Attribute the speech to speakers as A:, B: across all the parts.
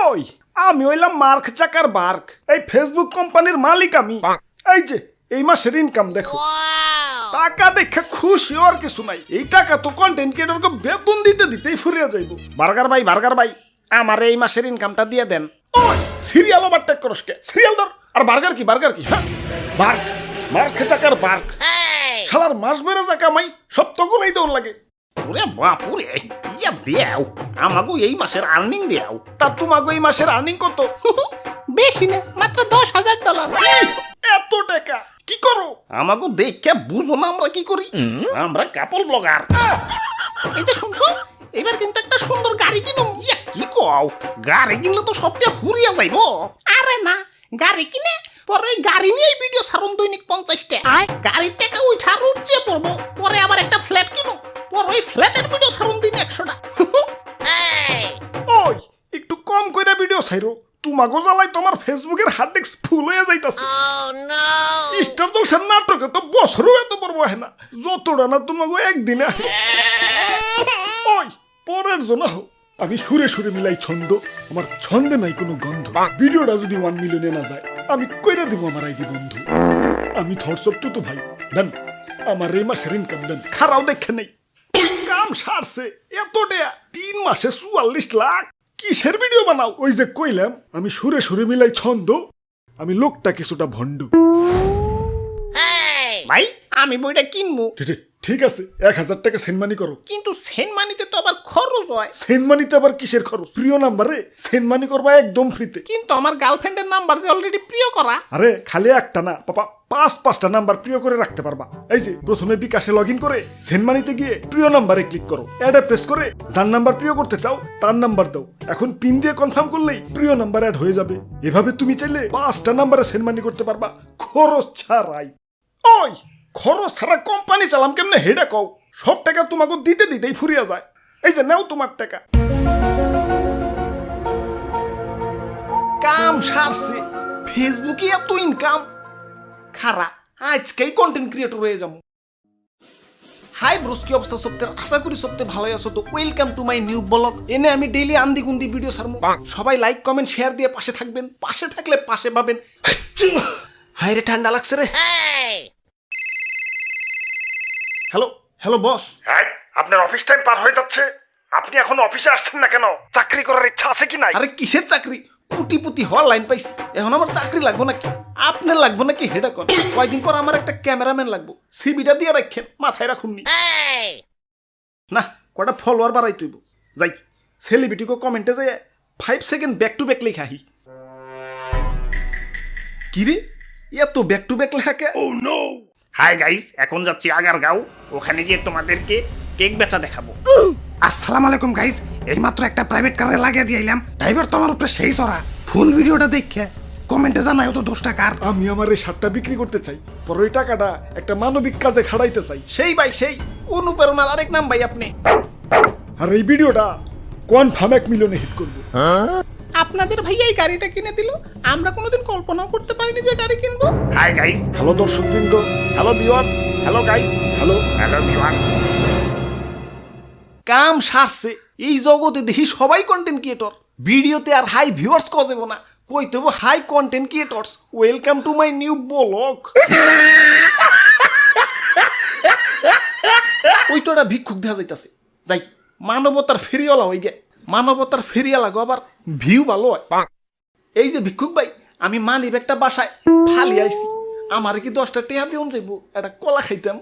A: ওই আমি হইলাম মার্ক চাকার বার্ক, এই ফেসবুক কোম্পানির মালিক আমি। এই যে এই মাসের ইনকাম দেখো, টাকা দেখে খুশি আর কিছু নাই। এই টাকা তো কন্টেন্ট ক্রিয়েটরকে বেতন দিতে দিতেই ফুরিয়ে যাইব। বার্গার ভাই আমার এই মাসের ইনকামটা দিয়ে দেন। ওই সিরিয়াল ওভার টেক করস কে? সিরিয়াল ধর। আর বার্গার কি হ্যাঁ বার্ক, মার্ক চাকার বার্ক। শালার মাস বেড়ে যা কামাই সব তো গুলাই দৌড় লাগে।
B: ওরে বাপুরে, ইয়া দেও আমাগো এই মাসের আর্নিং দেও।
A: তা তোমাকে এই মাসের আর্নিং কত?
C: বেশি না, মাত্র $10,000।
A: এত টাকা কি করো?
B: আমাগো দেখে বুঝো না আমরা কি করি। আমরা কাপল ব্লগার।
C: এই যে শুনছো, এবার কিন্তু একটা সুন্দর গাড়ি কিনো।
B: ইয়া কি কও, গাড়ি কিনলে তো সবটা ফুরিয়া যাইবো।
C: আরে না, গাড়ি কিনে পরে ওই গাড়ি নিয়ে ভিডিও ছাড়ুন দৈনিক 50টা। গাড়ির টাকা উঠা রুচে পড়বো, পরে আবার একটা ফ্ল্যাট কিনো, পরে ওই ফ্ল্যাটের ভিডিও ছাড়ুন দিন 100টা।
A: ওই একটু কম কইরা ভিডিও ছাইরো, তোমাগো জ্বালাই তোমার ফেসবুকের হার্ড ডিস্ক ফুল হয়ে যাইতাছে। স্টার জলসার নাটকে তো বছরও এত বড় হয় না, যতটা না তোমাগো একদিনে আহে। ওই পরের জন্য হোক, আমি সুরে সুরে মিলাই ছন্দ, আমার ছন্দে নাই কোনো গন্ধ। ভিডিওটা যদি 1 মিলিয়নে না যায় আমি কইরা দিব আমার আইডি বন্ধু। আমি থটসপ তো ভাই দেন, আমার এই মাসের ইনকাম দেন, খারাও দেখে নেই। কাম সারছে এতটা 3 মাসে 44 লাখ। কিসের ভিডিও বানাও? ওই যে কইলাম আমি সুরে সুরে মিলাই ছন্দ, আমি লোকটা কিছুটা ভণ্ড।
C: ভাই আমি বইটা কিনবো,
A: ঠিক আছে 1000 টাকা সেনমানি করো।
C: কিন্তু সেন্ট মানিতে তো আবার খরচ হয়।
A: সেনমানিতে আবার কিসের খরচ? প্রিয় নাম্বারে সেনমানি করবা একদম ফ্রিতে।
C: কিন্তু আমার গার্লফ্রেন্ডের নাম্বার যে অলরেডি প্রিয় করা।
A: আরে খালি একটা না পাপা, 5-5টা নাম্বার প্রিয় করে রাখতে পারবা। এই যে প্রথমে বিকাশে লগ ইন করে সেনমানিতে গিয়ে প্রিয় নাম্বারে ক্লিক করো, অ্যাডে প্রেস করে যার নাম্বার প্রিয় করতে চাও তার নাম্বার দাও। এখন পিন দিয়ে কনফার্ম করলেই প্রিয় নাম্বার অ্যাড হয়ে যাবে। এভাবে তুমি চাইলে 5টা নাম্বারে সেনমানি করতে পারবা খরচ ছাড়াই। ওই খরচ ছাড়া কোম্পানি চালাম কেমনে হেডা কও? সব টাকা তোমাকে দিতে দিতেই ফুরিয়ে যায়। এই যে নাও তোমার টাকা।
B: কাম সারছে, ফেসবুকে এত ইনকাম। খারা আজকেই কন্টেন্ট ক্রিয়েটর হয়ে যাবো। হাই ব্রোস, কি অবস্থা সপ্তাহের? আশা করি সপ্তাহে ভালোই আছো। তো welcome to my new blog. এনে আমি ডেইলি আন্দি গুন্দি ভিডিও ছাড়বো। সবাই লাইক কমেন্ট শেয়ার দিয়ে পাশে থাকবেন। পাশে থাকলে পাশে পাবেন। হাই রে ঠান্ডা লাগছে রে। Hello boss.
A: হ্যাঁ, আপনার অফিস টাইম পার হয়ে যাচ্ছে, আপনি এখন অফিসে আসছেন না কেন? চাকরি করার ইচ্ছা আছে কি নাই?
B: আরে কিসের চাকরি? কোটিপতি হওয়ার লাইন পাইছি, এখন আমার চাকরি লাগবো নাকি? আপনার লাগবো নাকি হেডা কর? কয়দিন পর আমার একটা ক্যামেরাম্যান লাগবো, সিবিটা দিয়ে রাখেন, মাথায় রাখুননি। না কটা ফলোয়ার বাড়াই তুইব। যাই সেলিব্রিটিকে কমেন্টে যাই 5 সেকেন্ড ব্যাক টু ব্যাক লেখা। কি রে এত ব্যাক টু ব্যাক লেখা কে?
A: হাই গাইস, এখন যাচ্ছি আগারগাঁও, ওখানে গিয়ে তোমাদেরকে কেক বেচা দেখাবো।
B: আসসালামু আলাইকুম গাইস, এইমাত্র একটা প্রাইভেট কারে লাগিয়ে দিয়ে এলাম। ড্রাইভার তো আমার উপরে সেই চড়া। ফুল ভিডিওটা দেখে কমেন্টে জানাই তো 10 টাকার।
A: আমি আমার এই শার্টটা বিক্রি করতে চাই, পর ওই টাকাটা একটা মানবিক কাজে খাড়াইতে চাই।
B: সেই ভাই সেই অনুপ্রেরণার আরেক নাম ভাই আপনি।
A: আর এই ভিডিওটা কনফার্ম 1 মিলিয়নে হিট করবো।
C: আপনাদের ভাইয়া এই গাড়িটা কিনে দিল, আমরা কোনোদিন কল্পনাও করতে পারিনি যে গাড়ি কিনবো।
A: হাই গাইস, হ্যালো দর্শকবৃন্দ, hello viewers, hello guys, hello viewers.
B: কাম সারছে, এই জগতে দেখি সবাই কন্টেন্ট ক্রিয়েটর। ভিডিওতে আর হাই ভিউয়ার্স কজেব না, কইতে হবে hi content creators. Welcome to my new blog. ওই তো একটা ভিক্ষুক দেখা যাইতাছে, যাই মানবতার ফেরিওয়ালা হয়ে গে। মানবতার ফেরিওয়ালা গো আবার ভিউ ভালো হয়। এই যে ভিক্ষুক ভাই, আমি মানি ব্যাগটা বাসায় ফালি আইছি, আমার কি 10টা টেহা দিউন যাইব, একটা কলা খাইতাম।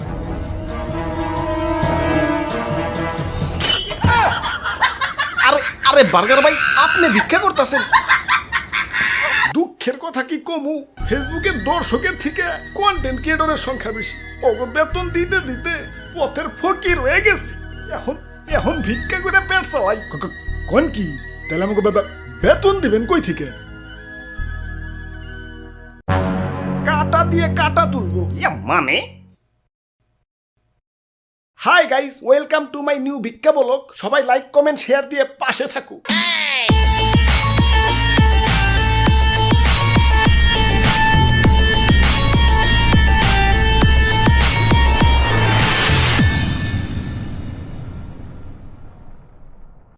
B: আরে বার্গার ভাই, আপনি ভিক্ষা করতেছেন?
A: দুঃখের কথা কি কমু, ফেসবুকের দর্শকের থেকে কন্টেন্ট ক্রিয়েটরের সংখ্যা বেশি। ওগো বেতন দিতে দিতে পথের ফকির হয়ে গেছি। এখন ভিক্ষা করে পেট চালাই। কোন কি তাহলে আমাকে বেতন দিবেন কই থেকে? কাটা দিয়ে কাটা তুলবো
B: মানে?
A: Hi guys, welcome to my new ভিক্ষা ব্লগ। সবাই লাইক কমেন্ট শেয়ার দিয়ে পাশে থাকুক।